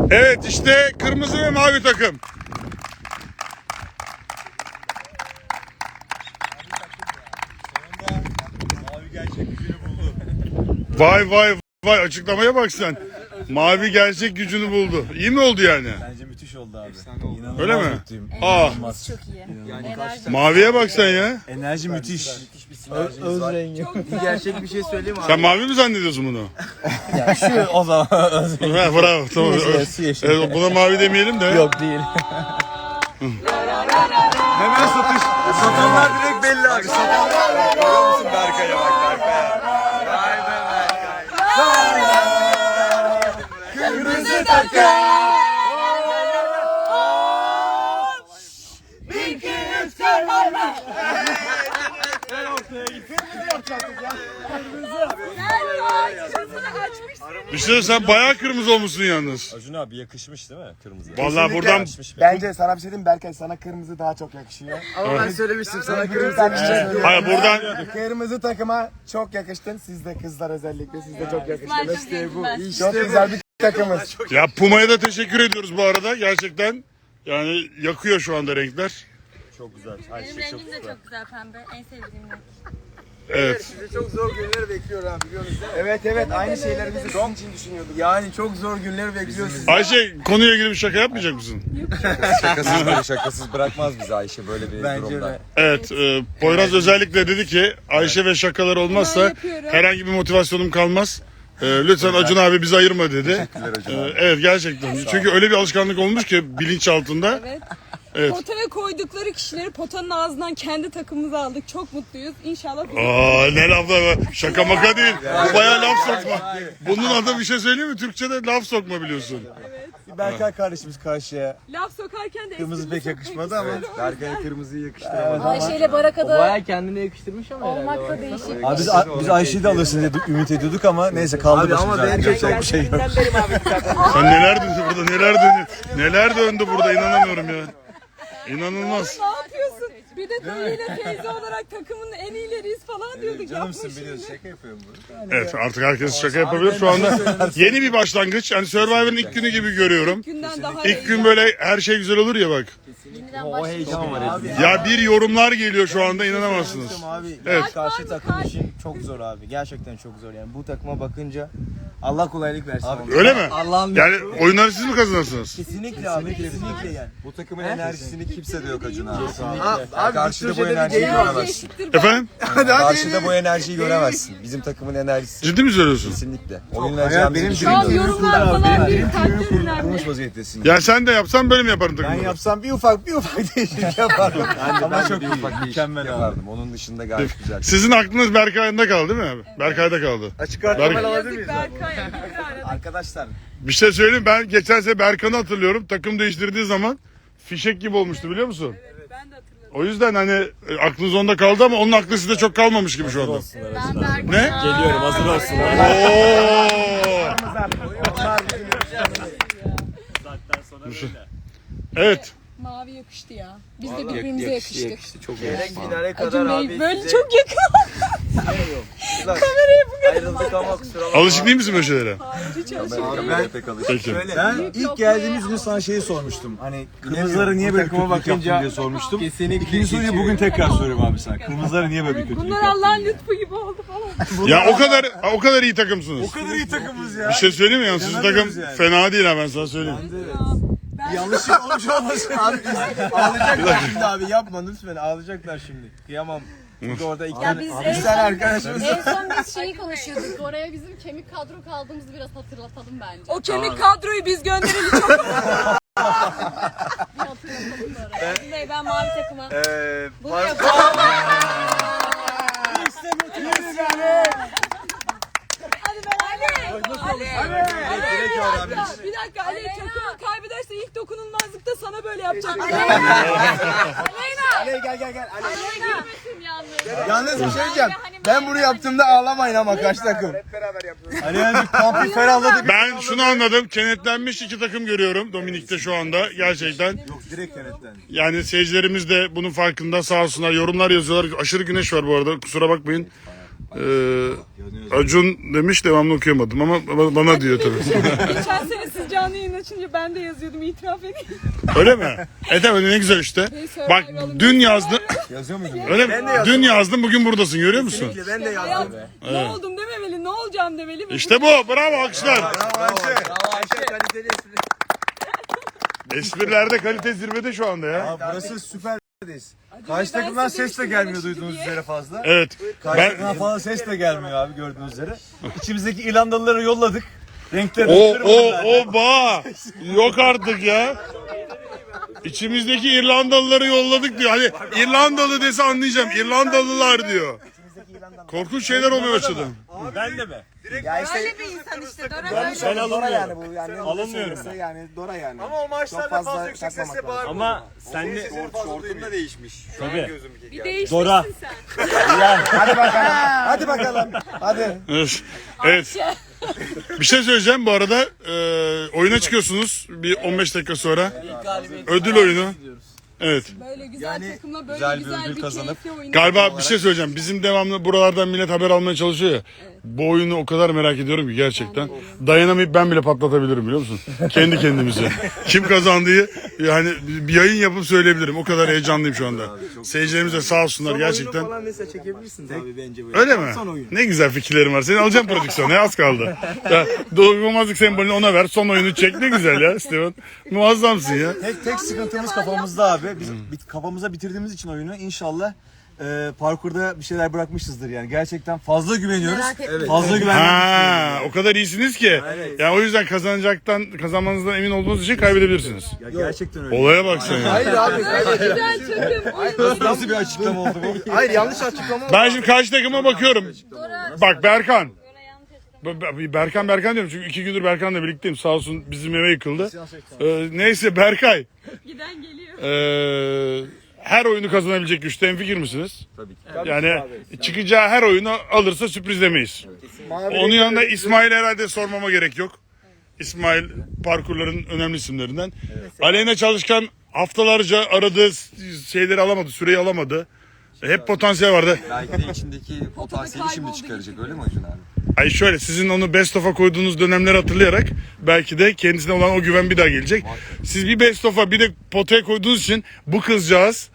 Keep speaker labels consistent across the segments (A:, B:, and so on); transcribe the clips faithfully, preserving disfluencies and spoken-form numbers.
A: Evet işte kırmızı ve mavi takım.
B: Mavi gerçek gücünü buldu.
A: Vay vay vay, açıklamaya bak sen. Mavi gerçek gücünü buldu. İyi mi oldu yani?
B: Bence müthiş oldu abi. İnanılmaz
A: Öyle mi?
B: mutluyum.
A: Aa,
C: Enerjimiz çok iyi. Enerji
A: maviye bak sen ya.
B: Enerji müthiş.
D: Öz rengi.
E: Gerçek bir şey söyleyeyim abi.
A: Sen mavi mi zannediyorsun bunu?
B: Şu o zaman.
A: Ha, bravo tamam.
D: Yeşil, su yeşil.
A: Evet, buna mavi demeyelim de.
D: Yok değil.
B: Hemen satış. Satanlar direkt belli abi. Satanlar. Görüyor musun Berkay'a bak Berkay'a. Vay be Berkay. Kırmızı takım.
A: Bir şey sen bayağı kırmızı olmuşsun yalnız.
B: Acun abi yakışmış değil mi kırmızı?
A: Vallahi buradan
D: Bence sana bir şey diyeyim, Berkay sana kırmızı daha çok yakışıyor.
E: Ama ben söylemiştim sana
D: Kırmızı
E: kırmızı.
A: hayır buradan
D: Kırmızı takıma çok yakıştın. Siz de kızlar özellikle siz de çok yakıştınız.
C: İşte bu.
D: Çok güzel bir takımız.
A: ya Puma'ya da teşekkür ediyoruz bu arada. Gerçekten yani yakıyor şu anda renkler.
B: Çok güzel.
C: Benim rengim de çok güzel, pembe. En sevdiğim renk.
A: Evet.
E: Sizi çok zor günler bekliyor abi biliyorsunuz değil mi?
D: Evet evet aynı şeyleri biz de sizin için düşünüyorduk.
E: Yani çok zor günler bekliyor sizi.
A: Ayşe, konuya ilgili bir şaka yapmayacak mısın?
F: Şakasız böyle şakasız bırakmaz bizi Ayşe böyle bir
E: Bence
F: durumda.
E: de.
A: Evet, e, Poyraz özellikle dedi ki Ayşe ve şakalar olmazsa herhangi bir motivasyonum kalmaz. E, lütfen Acun abi bizi ayırma dedi.
F: Acun
A: E,
F: abi.
A: evet gerçekten. Çünkü öyle bir alışkanlık olmuş ki bilinç altında.
G: Evet.
A: Evet.
G: Potaya koydukları kişileri potanın ağzından kendi takımımıza aldık. Çok mutluyuz. İnşallah
A: Aa, ne laflar var. Şaka maka değil. Bu bayağı laf sokma. Bunun adı bir şey söyleyeyim mi? Türkçe'de laf sokma biliyorsun.
B: Berkay kardeşimiz karşıya.
G: laf sokarken de
B: Kırmızı pek yakışmadı ama
F: Berkay'a kırmızıyı yakıştıramadı.
C: Ayşe ile Baraka'da
D: Baya kendine yakıştırmış ama
C: olmak da değişik.
B: Abi biz, biz Ayşe'yi de alırsın diye ümit ediyorduk ama neyse kaldı
E: Abi ama
B: başımıza.
E: bence
B: Yapacak bir şey yok.
A: Sen neler döndü burada, neler döndü. Neler döndü burada, inanamıyorum ya. İnanılmaz.
G: ne yapıyorsun? Bir de dayıyla teyze olarak takımın en iyileriyiz falan diyorduk. Yapma
B: Canımsın
G: şimdi.
B: biliyorsun şaka yapıyorum bunu.
A: Evet, artık herkes şaka yapabilir. Şu anda yeni bir başlangıç. Yani Survivor'ın ilk günü gibi görüyorum.
G: Günden daha
A: İlk gün böyle her şey güzel olur ya bak.
C: Yeniden
F: O
C: başlıyor.
F: heyecan var
B: Abi
F: hepimizde.
A: Ya bir yorumlar geliyor şu anda, inanamazsınız.
E: Abi
A: Evet.
E: karşı takım için çok zor abi. Gerçekten çok zor yani. Bu takıma bakınca Allah kolaylık versin. Abi,
A: Öyle mi?
D: Allah'ım
A: Yani oyunları siz mi kazanırsınız?
E: kesinlikle abi kesinlikle yani.
F: Bu takımın enerjisini kimse de yok Acun abi.
E: Aa, abi
F: Karşıda bu
E: Türkçe'de bir
F: enerjiyi
E: deyim var.
F: göremezsin.
A: Efendim?
F: Karşıda bu enerjiyi göremezsin. Bizim takımın enerjisi
A: Ciddi mi söylüyorsun?
F: kesinlikle. Oynayacağımızı
B: benim
G: Şu an
F: düşünüyorum.
G: yorumlar falan bir kalpler önemli.
B: kurmuş vaziyettesin.
A: Ya sen de yapsan böyle mi yaparım
B: Ben
A: takımda?
B: yapsam bir ufak bir ufak değişiklik yapardım.
F: Ama
B: çok
F: bir
B: iyi,
F: ufak değişiklik
B: mükemmel abi.
F: yapardım. Onun dışında gayet güzel.
A: Sizin aklınız Berkay'da kaldı değil mi abi? Berkay'da kaldı.
B: Açık
A: Berk-
B: arttırma alabilir
G: Yazık
B: miyiz?
G: Berkay. bir aradık.
E: Arkadaşlar
A: Bir şey söyleyeyim, ben geçen sene Berkan'ı hatırlıyorum. Takım değiştirdiği zaman fişek gibi olmuştu biliyor musun?
G: Ben de hatırladım.
A: O yüzden hani e, aklınız onda kaldı ama onun aklı sizde çok kalmamış gibi şu anda.
C: Ben Berkay.
A: Ne?
B: Geliyorum hazır olsun.
A: Oo! Evet.
G: Mavi yakıştı ya. Biz de birbirimize yakıştık.
E: çok gerek finale kadar
G: Acun
E: abi.
G: Bey böyle
E: size
G: çok yakın.
E: Kameraya bu kadar. Ayrıldık ama kusura bakma.
A: Alışık değil misin böyle şeylere?
G: Hiç alışamadım.
F: Ben pek alışık.
A: Peki.
B: Ben ilk geldiğimiz gün sana şeyi sormuştum. Hani kırmızıları niye böyle
E: takıma
B: kötülük yaptın
E: bakınca
B: diye sormuştum.
E: kesinlikle
B: İkinci soruyu
E: geçiyor.
B: bugün tekrar soruyorum abi sana. Kırmızıları niye böyle bir kötülük
G: Bunlar
B: yaptın?
G: Allah'ın lütfu gibi oldu falan.
A: Ya o kadar o kadar iyi takımsınız.
B: O kadar iyi takımız ya.
A: Bir şey söyleyeyim mi? Yani sizin takım
B: İnanamıyoruz yani.
A: fena değil ha, ben sana söyleyeyim.
B: Yanlışlık olmuş olmasın.
E: Abi ağlayacaklar şimdi abi yapma lütfen ağlayacaklar şimdi. Kıyamam. Çünkü orada iki
C: Ya
E: tane,
C: biz
E: bir
C: en
E: tane
C: son,
E: arkadaşımız
C: en son biz şeyi konuşuyorduk. Oraya bizim kemik kadro kaldığımızı biraz hatırlatalım bence.
G: O kemik kadroyu biz göndereli çok
C: Bir hatırlatalım oraya. Acun Bey, ben mavi takıma.
E: Eee
C: Bunu yapalım.
G: Hadi ben Ali. Ali. Ali.
E: direkt öğrenmiş.
G: Bir dakika Ali, takımın kaybederse ilk dokunulmazlıkta sana böyle yapacak.
E: Ali gel gel gel. Ali.
C: Gülmesin yalnız.
E: Yalnız bir şey diyeceğim. Ben bunu yaptığımda ağlamayın ama kaç takım.
B: Hani yani kamp bir ferahladı.
A: Ben şunu anladım. Kenetlenmiş iki takım görüyorum Dominik'te şu anda. Gerçekten.
B: Yok direkt kenetlendi.
A: Yani seyircilerimiz de bunun farkında, sağ olsunlar. Yorumlar yazıyorlar. Aşırı güneş var bu arada. Kusura bakmayın. Ee, Acun demiş, devamlı okuyamadım ama ba- bana diyor tabii.
G: Geçen sene siz canlı yayın açınca ben de yazıyordum, itiraf edeyim.
A: Öyle mi? E tabii, ne güzel işte. Bak dün yazdım.
E: Yazıyor muydun?
A: Öyle mi? Dün yazdım, bugün buradasın, görüyor musun?
E: Ben de
G: Hayat,
E: yazdım.
G: ne oldum dememeli, ne olacağım demeli. ve
A: İşte bu. Bravo, alkışlar.
E: Bravo Ayşe. Bravo Ayşe. Kaliteli espri.
A: Esprilerde kalite zirvede şu anda ya.
E: Abi burası süperdeyiz.
G: Acaba
E: Karşı
G: ben
E: takımdan
G: size
E: ses de
G: demiştim,
E: gelmiyor
G: bana
E: duyduğunuz
G: şimdi
E: üzere fazla.
A: Evet.
E: Karşı
A: Ben
E: takımdan falan ses de gelmiyor abi gördüğünüz üzere. İçimizdeki İrlandalıları yolladık. Renkleri
A: o
E: renkleri
A: o
E: var
A: o ba. Yok artık ya. İçimizdeki İrlandalıları yolladık diyor. Hani İrlandalı dese anlayacağım. İrlandalılar diyor. Korkunç şeyler olmaya başladı.
D: Ben de mi? Ya işte
G: Öyle bir insan işte. Dora
D: ben
G: böyle.
D: Dora yani bu yani.
H: Alınmıyorum
D: ben. Yani Dora yani.
E: Ama o maçlarda
D: Çok fazla
E: fazla yüksek
D: takmamak
E: sesle
D: lazım.
E: bağırma.
H: Ama sen de
F: Şortum da değişmiş. Şu an
H: Tabii.
F: gözüm
G: Bir
F: geldi.
G: değişmişsin
H: Dora.
G: sen.
D: Hadi bakalım. Hadi bakalım. Hadi.
A: Evet. Evet. Bir şey söyleyeceğim bu arada. E, oyuna çıkıyorsunuz bir on beş dakika sonra. Ödül oyunu. Evet.
G: Böyle güzel
E: Yani
G: takımla böyle
F: güzel
G: güzel,
F: bir ödül
G: bir
F: kazanıp-
G: keyifli oyun.
A: Galiba bir şey söyleyeceğim. Bizim devamlı buralardan millet haber almaya çalışıyor ya. Bu oyunu o kadar merak ediyorum ki gerçekten. Dayanamayıp ben bile patlatabilirim, biliyor musun? Kendi kendimize. Kim kazandığı yani bir yayın yapıp söyleyebilirim. O kadar heyecanlıyım şu anda. Seyircilerimiz de sağ olsunlar gerçekten.
E: Falan mesela çekebilirsiniz abi bence böyle.
A: Öyle mi?
E: Son oyun.
A: Ne güzel fikirlerim var. Seni alacağım prodüksiyona. Az kaldı. Ya, dokunulmazlık sembolünü ona ver. Son oyunu çek. Ne güzel ya Steven. Muazzamsın ya.
E: Tek tek sıkıntımız kafamızda abi. Biz bit- kafamıza bitirdiğimiz için oyunu inşallah e, parkurda bir şeyler bırakmışızdır yani. Gerçekten fazla güveniyoruz.
G: Merak etme.
E: Fazla güvenmiyoruz.
A: Ha, o kadar iyisiniz ki.
E: Evet.
A: Yani o yüzden kazanacaktan, kazanmanızdan emin olduğunuz için kaybedebilirsiniz.
E: Ya gerçekten öyle.
A: Olaya bak sen ya.
D: Hayır abi.
G: Güzel takım.
E: Nasıl bir açıklama oldu bu?
D: Hayır, yanlış açıklama.
A: Ben şimdi karşı takıma bakıyorum. Bak Berkan. Be- Be- Berkan Berkan diyorum çünkü iki gündür Berkan'la birlikteyim. Sağ olsun bizim eve yıkıldı. Ee, neyse Berkay.
G: Giden geliyor.
A: Ee, her oyunu kazanabilecek güçte hemfikir misiniz?
F: Tabii ki.
A: Yani çıkacağı her oyunu alırsa sürprizlemeyiz. Onun yanında İsmail herhalde sormama gerek yok. İsmail parkurların önemli isimlerinden. Aleyna Çalışkan haftalarca aradığı şeyleri alamadı, süreyi alamadı. Hep potansiyel vardı.
F: Belki de içindeki potansiyeli şimdi
G: kayboldu
F: çıkaracak öyle mi Acun abi?
A: Ay şöyle, sizin onu best of'a koyduğunuz dönemleri hatırlayarak belki de kendisine olan o güven bir daha gelecek. Siz bir best of'a bir de potaya koyduğunuz için bu kızcağız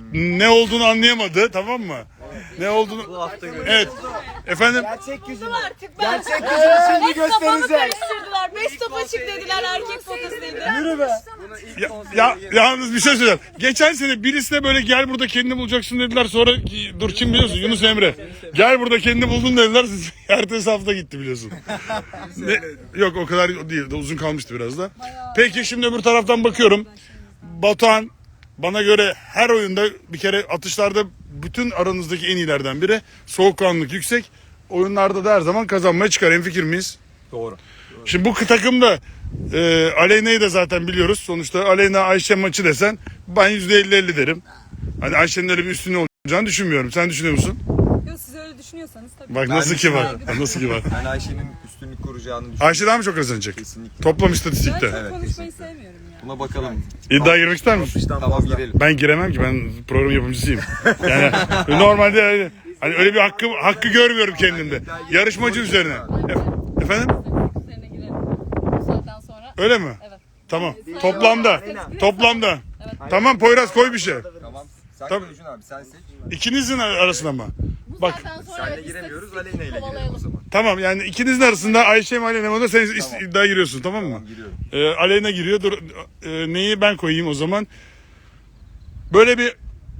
A: ne olduğunu anlayamadı, tamam mı? Ne olduğunu... Evet. Efendim?
D: Gerçek yüzünü.
G: Artık ben.
D: Gerçek yüzünü şimdi
G: Kafamı
D: göstereceğiz.
G: karıştırdılar. Beş top açık dediler, erkek potasıydı.
D: Yürü be.
A: Ya, ya, yalnız bir şey söyleyeceğim. Geçen sene birisine böyle gel burada kendini bulacaksın dediler. Sonra dur kim biliyorsun? Yunus Emre. Gel burada kendini buldun dediler. Ertesi hafta gitti biliyorsun. Ne? Yok o kadar değil. Uzun kalmıştı biraz da. Peki şimdi öbür taraftan bakıyorum. Batuhan bana göre her oyunda bir kere atışlarda bütün aranızdaki en iyilerden biri. Soğukkanlılık yüksek. Oyunlarda da her zaman kazanmaya çıkar. Hemfikir miyiz?
F: Doğru.
A: Şimdi bu takımda e, Aleyna'yı da zaten biliyoruz. Sonuçta Aleyna Ayşe maçı desen ben yüzde elli elli derim. Hani Ayşe'nin öyle bir üstünlüğü olacağını düşünmüyorum. Sen düşünüyor musun?
G: Yok, siz öyle düşünüyorsanız tabii.
A: Bak nasıl ki var. Nasıl ki var.
F: Ben Ayşe'nin üstünlük kuracağını düşünüyorum.
A: Ayşe daha mı çok kazanacak?
F: Kesinlikle.
A: Toplam
G: Ben
A: istatistikte.
G: çok konuşmayı sevmiyorum ya.
F: Buna bakalım.
A: İddiaya girmek ister misin?
F: Tamam girelim.
A: Ben giremem ki, ben program yapımcısıyım. Yani normalde öyle, hani öyle bir hakkı hakkı görmüyorum kendimde. Yarışmacı üzerine. E- efendim?
C: Üzerine girelim. Bu saatten sonra.
A: Öyle mi?
C: Evet.
A: Tamam. Toplamda. Toplamda. Tamam Poyraz koy bir şey.
F: Tamam. Sen
A: Tabii.
F: Acun abi sen seç.
A: İkinizin arasında mı?
C: Bu
A: Bak.
C: saatten sonra
F: Senle
C: evet,
F: giremiyoruz
C: istatistik
F: Aleyna ile girelim o
C: kovalayalım.
F: zaman.
A: Tamam yani ikinizin arasında Ayşe mi Aleyna mı da sen is- iddiaya giriyorsun, tamam mı?
F: Tamam giriyorum.
A: Ee, Aleyna giriyor. Dur, e, neyi ben koyayım o zaman? Böyle bir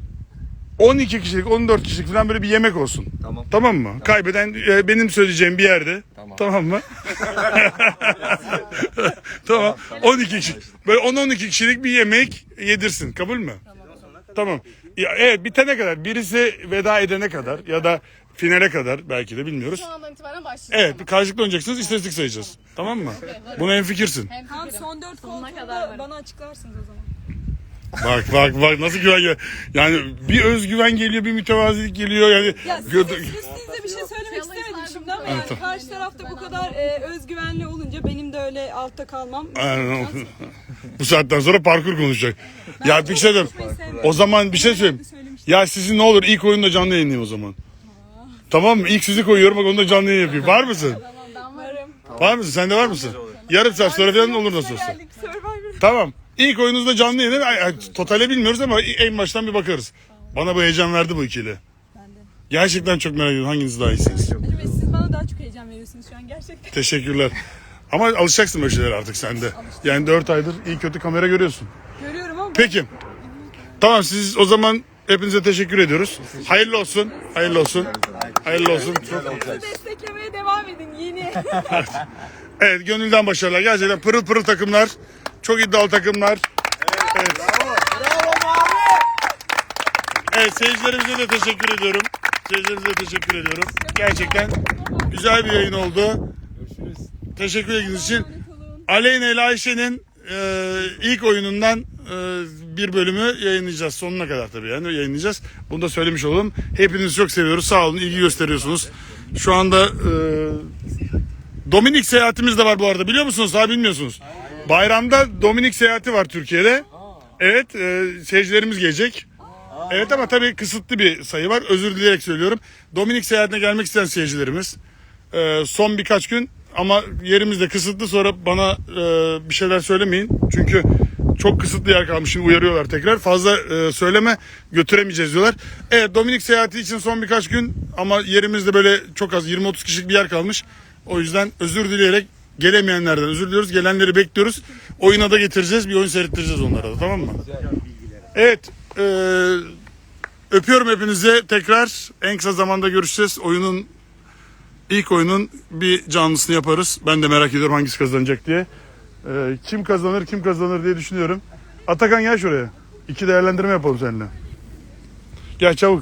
A: on iki kişilik, on dört kişilik falan böyle bir yemek olsun.
F: Tamam.
A: Tamam mı? Kaybeden e, benim söyleyeceğim bir yerde.
F: Tamam.
A: Tamam mı? Tamam. on iki kişi. Böyle on on iki kişilik bir yemek yedirsin. Kabul mü? Tamam. Ya, evet, bitene kadar, birisi veda edene kadar ya da finale kadar belki de bilmiyoruz.
C: Şu andan itibaren başlayacağız.
A: Evet, bir karşılıklı oynayacaksınız, istatistik sayacağız. Tamam mı? Buna hemfikirsin.
C: Hem
G: Tamam,
C: fikrim.
G: son dört
C: Sonuna kadar
G: kontrolda
C: varım.
G: bana açıklarsınız o zaman.
A: Bak bak bak nasıl güven geliyor. Yani bir özgüven geliyor, bir mütevazilik geliyor yani.
G: Ya sizin
A: Gö-
G: üstünüze bir şey söylemek
C: Yalan
G: istemedim
C: saydım.
G: şimdi ama
C: Evet,
G: yani
A: tamam.
G: karşı tarafta bu kadar e, özgüvenli olunca benim de öyle altta kalmam.
A: Aynen. Bu saatten sonra parkur konuşacak. Ya bir şey diyeyim.
G: konuşmayı sevmiyorum.
A: O zaman bir şey söyleyeyim. Ya sizin ne olur ilk oyunda canlı yayınlayayım o zaman. Tamam mı? İlk sizi koyuyorum bak onu da canlı yayın yapayım. Var mısın?
C: Ben varım.
A: Var mısın? Sen de var mısın? Yarım saat sonra falan olur nasıl olsa.
G: Geldik Survivor.
A: Tamam. İlk oyunuzda canlı yayın. Ay, ay, totale bilmiyoruz ama en baştan bir bakarız. Bana bu heyecan verdi bu ikili. Gerçekten çok merak ediyorum. Hanginiz daha iyisiniz?
G: Hacı Bey siz bana daha çok heyecan veriyorsunuz şu an gerçekten.
A: Teşekkürler. Ama alışacaksın böyle şeylere artık sen de. Yani dört aydır iyi kötü kamera görüyorsun.
G: Görüyorum ama
A: Peki. Tamam siz o zaman hepinize teşekkür ediyoruz. Hayırlı olsun. Hayırlı olsun. Hayırlı olsun.
G: bizi desteklemeye devam edin yeni.
A: Evet gönülden başarılar. Gerçekten pırıl pırıl takımlar. Çok iddialı takımlar. Evet. Evet seyircilerimize de teşekkür ediyorum. Seyircilerimize de teşekkür ediyorum. Gerçekten güzel bir yayın oldu. Teşekkür ettiğiniz için. Aleyna ile Ayşe'nin e, ilk oyunundan e, bir bölümü yayınlayacağız. Sonuna kadar tabii yani yayınlayacağız. Bunu da söylemiş olalım. Hepinizi çok seviyoruz. Sağ olun. İlgi gösteriyorsunuz. Şu anda e, Dominik seyahatimiz de var bu arada. Biliyor musunuz? Daha bilmiyorsunuz. Bayramda Dominik seyahati var Türkiye'de. Evet. E, seyircilerimiz gelecek. Evet ama tabii kısıtlı bir sayı var. Özür dileyerek söylüyorum. Dominik seyahatine gelmek isteyen seyircilerimiz e, son birkaç gün ama yerimiz de kısıtlı, sonra bana e, bir şeyler söylemeyin. Çünkü çok kısıtlı yer kalmış. Şimdi uyarıyorlar tekrar. Fazla e, söyleme, götüremeyeceğiz diyorlar. Evet Dominik seyahati için son birkaç gün ama yerimizde böyle çok az yirmi otuz kişilik bir yer kalmış. O yüzden özür dileyerek gelemeyenlerden özür diliyoruz. Gelenleri bekliyoruz. Oyuna da getireceğiz. Bir oyun seyrettireceğiz onlara da, tamam mı? Evet. E, öpüyorum hepinizi. Tekrar en kısa zamanda görüşeceğiz. Oyunun İlk oyunun bir canlısını yaparız. Ben de merak ediyorum hangisi kazanacak diye. Ee, kim kazanır kim kazanır diye düşünüyorum. Atakan gel şuraya. İki değerlendirme yapalım seninle. Gel çabuk.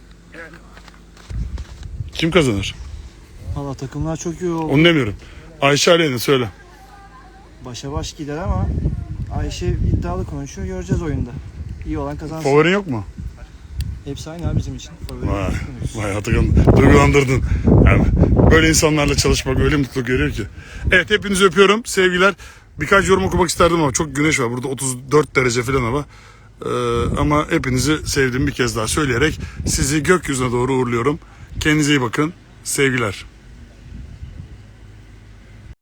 A: Kim kazanır?
H: Valla takımlar çok iyi oldu.
A: Onu demiyorum. Ayşe Aleyna söyle.
H: Başa baş gider ama Ayşe iddialı konuşuyor. Göreceğiz oyunda. İyi olan kazansın.
A: Favorin yok mu?
H: Hepsi aynı abi bizim için. Favori
A: Vay,
H: konuşuyoruz.
A: vay Atakan duygulandırdın. Yani böyle insanlarla çalışmak öyle mutluluk veriyor ki. Evet hepinizi öpüyorum. Sevgiler. Birkaç yorum okumak isterdim ama çok güneş var. Burada otuz dört derece falan hava. Ee, ama hepinizi sevdiğimi bir kez daha söyleyerek sizi gökyüzüne doğru uğurluyorum. Kendinize iyi bakın. Sevgiler.